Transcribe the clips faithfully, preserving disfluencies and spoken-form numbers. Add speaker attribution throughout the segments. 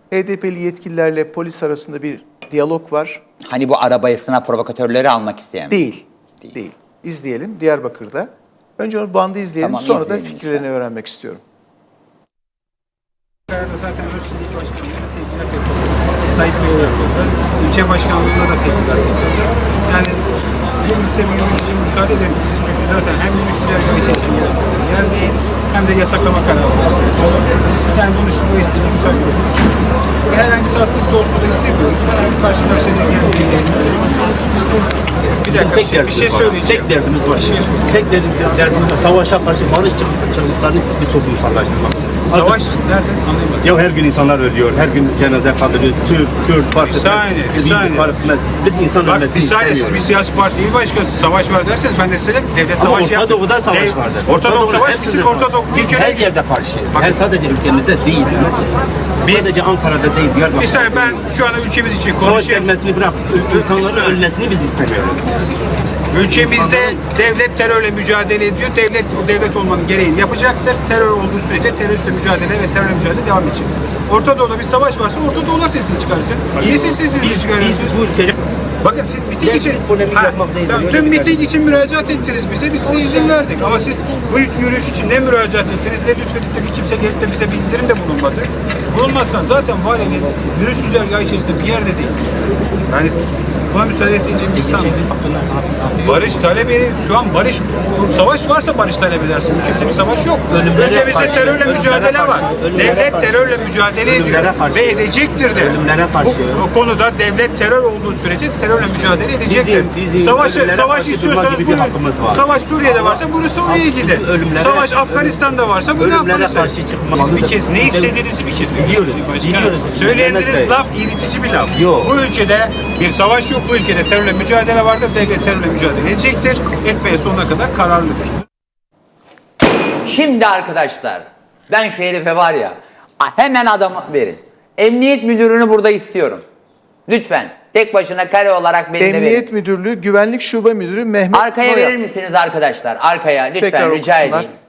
Speaker 1: H D P'li yetkililerle polis arasında bir diyalog var.
Speaker 2: Hani bu arabayasına provokatörleri almak isteyen.
Speaker 1: Değil. Değil. Değil. İzleyelim Diyarbakır'da. Önce o bandı izleyelim,
Speaker 2: Tamam,
Speaker 1: sonra da
Speaker 2: izleyelim
Speaker 1: fikirlerini
Speaker 2: lütfen.
Speaker 1: öğrenmek istiyorum.
Speaker 3: Zaten Özsünlük Başkanlığı'na tebligat yapıldı. Sayıp Bey'e yapıldı. İlçe Başkanlığı'na da tebligat yapıldı. Yani bu ülse bir yürüyüş için müsaade edemeyeceğiz. Çünkü zaten hem yürüyüş güzergahı içerisinde yer değil, hem de yasaklama kararı var. Bir tane konuştum, bu için müsaade edemeyeceğiz. Herhangi bir tatsızlık olsun da istemiyoruz. Herhangi bir karşı karşıya da gelmeyiz. Bir dakika, bir şey, bir şey söyleyeceğim.
Speaker 4: Tek derdimiz var.
Speaker 3: Bir şey söyleyeceğim.
Speaker 4: Tek derdimiz var. Savaşa karşı barış çığlıklarını biz toplumsallaştırmak.
Speaker 3: Savaş nerede? Anlayamadım.
Speaker 4: Ya her gün insanlar ölüyor, her gün cenaze kaldırıyor, Türk, Kürt, fark
Speaker 3: Bir saniye, bir
Speaker 4: etmez, sivil
Speaker 3: saniye.
Speaker 4: fark etmez. Biz insan
Speaker 3: Bak bir
Speaker 4: ölmesini
Speaker 3: saniye, siz
Speaker 4: istemiyoruz.
Speaker 3: bir siyasi parti il başkası savaş var derseniz ben de size derim, devlet
Speaker 4: Ama
Speaker 3: savaşı
Speaker 4: Orta
Speaker 3: yaptı.
Speaker 4: Doğu'da savaş
Speaker 3: Dev-
Speaker 4: vardır.
Speaker 3: Orta Doğu
Speaker 4: Doğu'da
Speaker 3: savaş
Speaker 4: hepsinde
Speaker 3: gitsin, Orta Doğu
Speaker 4: Biz
Speaker 3: ülkede.
Speaker 4: her yerde karşıyız.
Speaker 3: Bakın.
Speaker 4: Her sadece ülkemizde değil.
Speaker 3: Biz-
Speaker 4: sadece Ankara'da değil,
Speaker 3: Bir
Speaker 4: Diyarbakır'da.
Speaker 3: saniye, ben şu anda ülkemiz için
Speaker 4: Savaş
Speaker 3: konuşayım.
Speaker 4: gelmesini bırak, insanların ölmesini biz istemiyoruz.
Speaker 3: Ülkemizde devlet terörle mücadele ediyor. Devlet o devlet olmanın gereğini yapacaktır. Terör olduğu sürece teröristle mücadele ve terörle mücadele devam edecektir. Orta Doğu'da bir savaş varsa Orta Doğular sesini çıkarsın. Niye siz sesinizi
Speaker 4: Biz, biz
Speaker 3: çıkarıyorsunuz?
Speaker 4: bu ülkede
Speaker 3: Bakın siz miting
Speaker 4: Gel,
Speaker 3: için
Speaker 4: biz polemik
Speaker 3: Ha,
Speaker 4: yapmak değil,
Speaker 3: tamam,
Speaker 4: öyle
Speaker 3: dün
Speaker 4: bir
Speaker 3: miting için müracaat ettiniz bize. Biz size izin verdik. Ama siz bu yürüyüş için ne müracaat ettiniz, ne lütfedip de bir kimse gelip de bize bildirim de bulunmadı. Bulunmazsan zaten valinin yürüyüş güzergahı içerisinde bir yerde değil. Yani buna müsaade edeceğim bir insan değil. Barış talebi, şu an barış, savaş varsa barış talep edersin. Ülkemizde bir savaş yok.
Speaker 4: Ölümlere
Speaker 3: Ülkemizde
Speaker 4: karşı,
Speaker 3: terörle
Speaker 4: ölümlere
Speaker 3: mücadele
Speaker 4: karşı,
Speaker 3: var.
Speaker 4: ölümlere
Speaker 3: Devlet
Speaker 4: karşı.
Speaker 3: terörle mücadele ediyor
Speaker 4: Ölümlere karşı.
Speaker 3: ve edecektir de.
Speaker 4: Ölümlere karşı.
Speaker 3: Bu, bu konuda devlet terör olduğu sürece terörle mücadele edecektir.
Speaker 4: Bizim- bizim
Speaker 3: savaş
Speaker 4: ölümlere
Speaker 3: savaş
Speaker 4: karşı
Speaker 3: istiyorsanız
Speaker 4: durma gibi bir
Speaker 3: buyurun.
Speaker 4: hakkımız var.
Speaker 3: Savaş Suriye'de varsa bunu Suriye'ye
Speaker 4: Bizim
Speaker 3: gidin.
Speaker 4: ölümlere-
Speaker 3: Savaş Afganistan'da varsa bunu
Speaker 4: ölümlere
Speaker 3: Afganistan'a.
Speaker 4: karşı çıkmamız-
Speaker 3: Biz bir kez ne istediğinizi bir kez
Speaker 4: Biliyoruz, biliyoruz.
Speaker 3: Söylediğiniz
Speaker 4: Mehmet Bey.
Speaker 3: laf iritici bir laf.
Speaker 4: Yok.
Speaker 3: Bu ülkede bir savaş yok. Bu ülkede terörle mücadele vardır. Devlet terörle mücadele edecektir. Etmeye sonuna kadar kararlıdır.
Speaker 2: Şimdi arkadaşlar ben şu herife var ya hemen adamı verin. Emniyet müdürünü burada istiyorum. Lütfen tek başına kare olarak beni de verin.
Speaker 1: Emniyet Müdürlüğü Güvenlik Şube Müdürü Mehmet
Speaker 2: Arkaya
Speaker 1: Noyat.
Speaker 2: verir misiniz arkadaşlar? Arkaya lütfen
Speaker 1: Tekrar
Speaker 2: rica
Speaker 1: okusunlar.
Speaker 2: edeyim.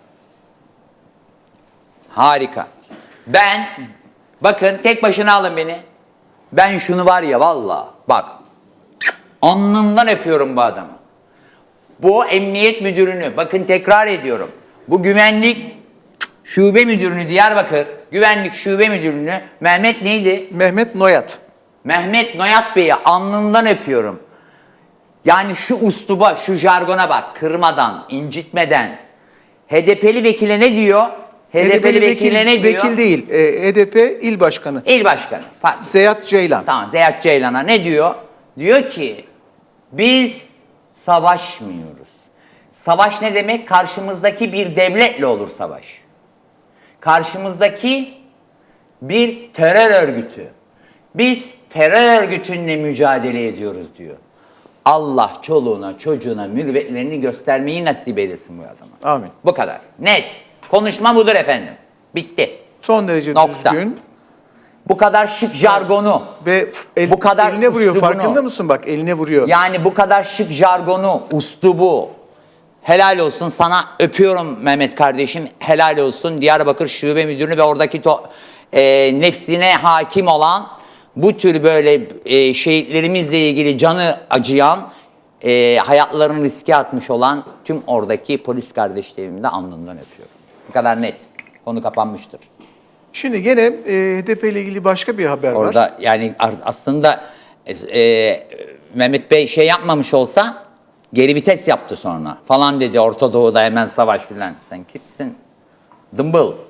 Speaker 2: Harika. Ben bakın tek başına alın beni. Ben şunu var ya vallahi bak alnından öpüyorum bu adamı. Bu emniyet müdürünü bakın tekrar ediyorum. Bu güvenlik şube müdürünü Diyarbakır güvenlik şube müdürünü Mehmet neydi?
Speaker 1: Mehmet Noyat.
Speaker 2: Mehmet Noyat Bey'i alnından öpüyorum. Yani şu usluba, şu jargona bak. Kırmadan, incitmeden. H D P'li vekile ne diyor? H D P'li vekile ne diyor?
Speaker 1: Vekil değil. E, H D P İl Başkanı.
Speaker 2: İl başkanı. Pardon.
Speaker 1: Zeyat Ceylan.
Speaker 2: Tamam, Zeyat Ceylan'a ne diyor? Diyor ki biz savaşmıyoruz. Savaş ne demek? Karşımızdaki bir devletle olur savaş. Karşımızdaki bir terör örgütü. Biz terör örgütünle mücadele ediyoruz diyor. Allah çoluğuna, çocuğuna, mürüvvetlerini göstermeyi nasip eylesin bu adama.
Speaker 1: Amin.
Speaker 2: Bu kadar. Net. Konuşma budur efendim. Bitti.
Speaker 1: Son derece
Speaker 2: Nokta.
Speaker 1: düzgün
Speaker 2: Bu kadar şık jargonu.
Speaker 1: ve el,
Speaker 2: Bu kadar
Speaker 1: eline vuruyor.
Speaker 2: üslubunu.
Speaker 1: Farkında mısın bak? Eline vuruyor.
Speaker 2: Yani bu kadar şık jargonu, uslubu. Helal olsun sana, öpüyorum Mehmet kardeşim. Helal olsun Diyarbakır Şube Müdürünü ve oradaki to, e, nefsine hakim olan bu tür böyle e, şehitlerimizle ilgili canı acıyan, e, hayatlarını riske atmış olan tüm oradaki polis kardeşlerimi de alnından öpüyorum. Bu kadar net. Konu kapanmıştır.
Speaker 1: Şimdi gene e, H D P ile ilgili başka bir haber var.
Speaker 2: Orada yani aslında e, e, Mehmet Bey şey yapmamış olsa geri vites yaptı sonra falan dedi. Orta Doğu'da hemen savaş filan. Sen kimsin? Dımbıl.